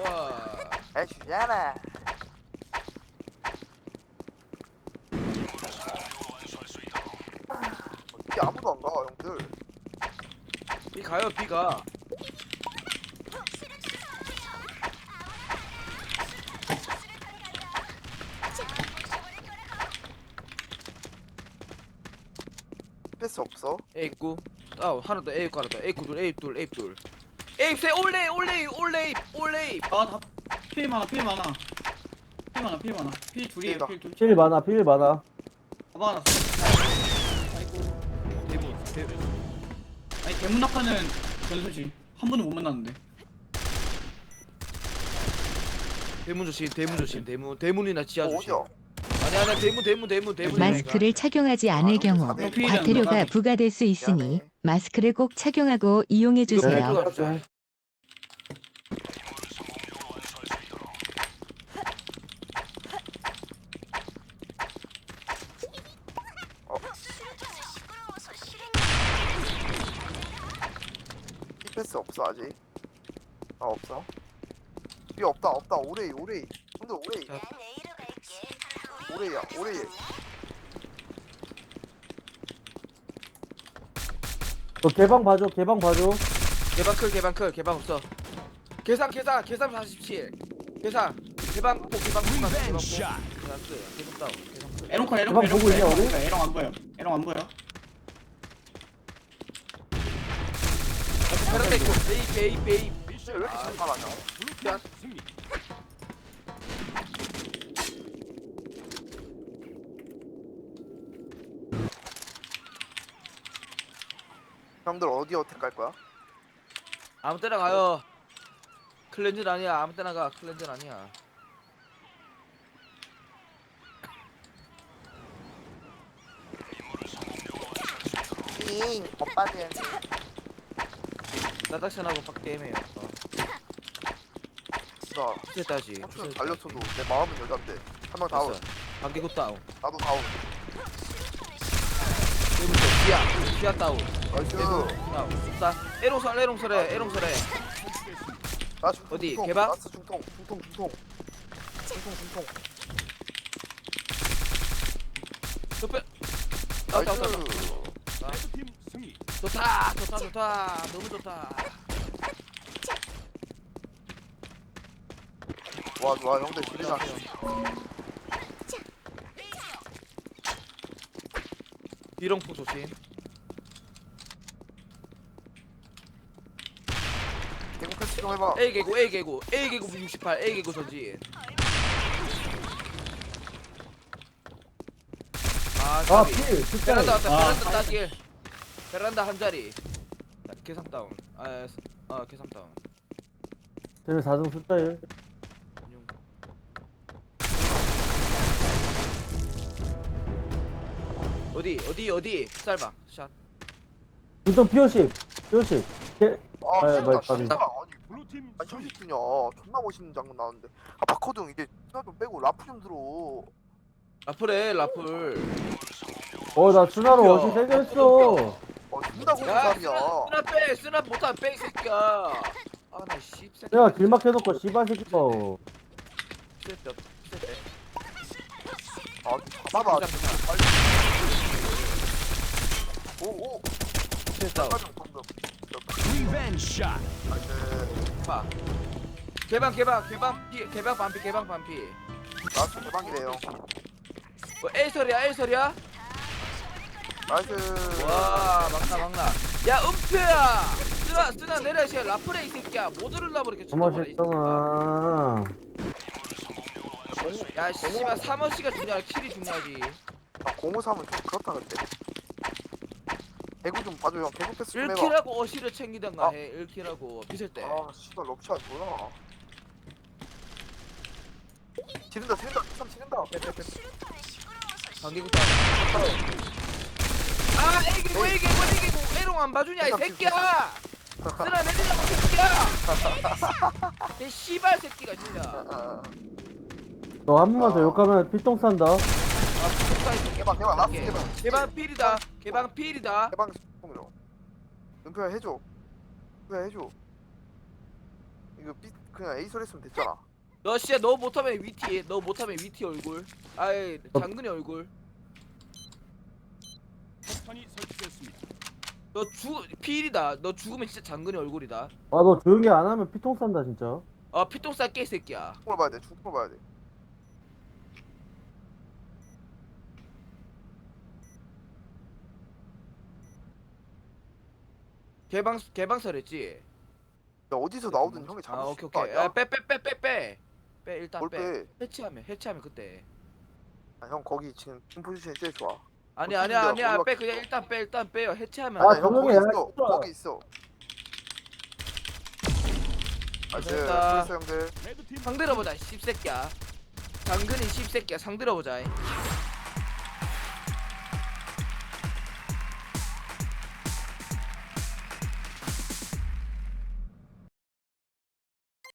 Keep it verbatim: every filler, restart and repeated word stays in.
좋아. 잘 주잖아. 이게 아무도 안 가, 형들. 비 가요 비가. 패스 없어. A 구 다운 하나 더 A 구 하나 더 A 구둘 A 둘 A 둘 A 세 올레 올레 올레 올레. 아다 피해 많아 피해 많아 피해 많아 피해 많아 피해 둘이에요 피해다. 피해 둘 필 많아 필 많아. 가방 하나 아이고 대문 대문. 아니 대문 낙하는 전수지 한 번도 못 만났는데 대문 조심 대문 조심 대문 대문이나 지하 어, 조심. 어디야? 아니 아니 대문 대문 대문 대문. 마스크를 착용하지 않을 경우 아, 과태료가 부과될 수 있으니 미안해. 마스크를 꼭 착용하고 이용해 이거 주세요. 백 주자. 이 패스 없어 아직. 아 없어. 이 없다 없다. 오레이 오레이. 형들 오레이. 자. 오레이야 오레이. 너 개방 봐줘 개방 봐줘. 개방 클 개방 클 개방 없어. 계산 계산 계산 사십칠. 계산 개방 꼭 개방 꼭 개방 꼭. 나스 계속 다운 계산 클. 에롱컬 에롱컬 가방 보고 에롱컬 있냐, 우리? 에롱 에롱 안 보여 에롱 안 보여 베란다 있고 베이 베이 베이. 왜 이렇게 잠깐하냐? 야 형들 어디 어택 갈 거야? 아무 때나 가요. 클렌즈 아니야 아무 때나 가 클렌즈 아니야. 잉 오빠들. 나닥션하고 빡 게임해요. 어. 나 됐다지. 삼촌은 달렸어도 내 마음은 여잔데. 한 명 다운. 반개고 다운. 나도 다운. 대문 쪽 지하 지하 다운. 나이스. 다운. 자 에롱설 에롱설해 에롱설해. 나 중통, 어디, 중통. 개방? 나스 중통 중통 중통. 중통 중통. 좁혀. 다운 다운 다운. 나이스. 좋다 좋다 좋다 너무 좋다. 좋아 좋아 형들 지리자. 비롱포 조심. 대구 패스 좀 해봐. A 개구 A 개구 A 개구 육십팔 A 개구 전진. 아 아 까비. 필 진짜. 베란다 왔다 아. 베란다 따길. 베란다 한 자리. 자, 계산 다운. 아, 아 계산 다운. 쟤는 사등 숫자일. 어디 어디 어디 쌀방 샷. 보통 피오십 피오십. 개. 아 아, 진짜 말- 진짜 말이. 아니 아니 삼십분이야 존나 멋있는 장면 나왔는데 아 바코드 형 이제 스나좀 빼고 라프 좀 들어. 라플해 라플. 어나 순화로 웃겨. 어시 생겼어. 어 존나 고른 야 사람이야. 쓰나 쓰나 빼 쓰나 못한 빼이 새끼야. 아나 씹새. 내가 길막 해놓고 씨발 새끼 거. 씹새 씹새. 아 잡아봐 부장, 진짜 부장. 빨리. 오오 씹새 다운. 빨리 방금. Revenge shot. 나이스. 봐. 개방 개방 개방 피 개방 반피 개방 반피. 나스 대박이래요. 뭐 A설이야 A설이야? 나이스. 와 막나 막나. 야 은표야. 쓰나 쓰나 내려 시 라플해 이 새끼야. 못 들으려고 이렇게 고마워 쳐다보네, 이 새끼야. 했잖아. 야 씨발 삼원씨가 중요하야 킬이 중요하지. 아 공무사면 좀 그렇다 근데. 대구 좀 봐줘 형. 대구 패스 좀 해봐. 일킬하고 어시를 챙기던가 아. 해. 일킬하고 빗을 때. 아 씨발 럽치야 뭐야. 지른다 지른다 삼 지른다. 빼빼빼. 관계국도 아 A개구 A개구 A개구 A롱 안 봐주냐 이 새끼야. 쓰나 내리라고 새끼야. 내 씨발 새끼가 진짜. 너 한 번만 더 아. 욕하면 필통 산다. 아 X가 이 새끼. 개방 개방 라스 개방. 개방 필이다. 개방 필이다. 개방 스포미로. 은표야 해줘. 은표야 해줘. 이거 B 그냥 A 소리 했으면 됐잖아. 너 씨야 너 못하면 위티 너 못하면 위티 얼굴 아이 장근이 얼굴 폭탄이 설치됐습니다. 너 죽 피일이다 너 죽으면 진짜 장근이 얼굴이다 아 너 조용히 안 하면 피통 싼다 진짜. 아 피똥 쌀게 이 새끼야 죽을 봐야 돼. 죽을 봐야 돼. 개방 개방설했지 야 어디서 나오든 형이 아 잡을 수 오케이 있는 거 오케이 아니야? 빼 빼 빼 빼 빼 빼 일단 뭘 빼 빼? 해체하면 해체하면 그때 아, 형 거기 지금 팀 포지션이 제일 좋아. 아니 어떻게 아니야 내가 아니야 몰라- 빼 그냥 일단 빼 일단 빼요 해체하면 아, 아니 형 거기 조용히 해, 있어. 진짜. 거기 있어. 아 이제 됐다. 프리스 형들. 레드팀 상들어보자 씹새끼야 장근이 씹새끼야 상들어보자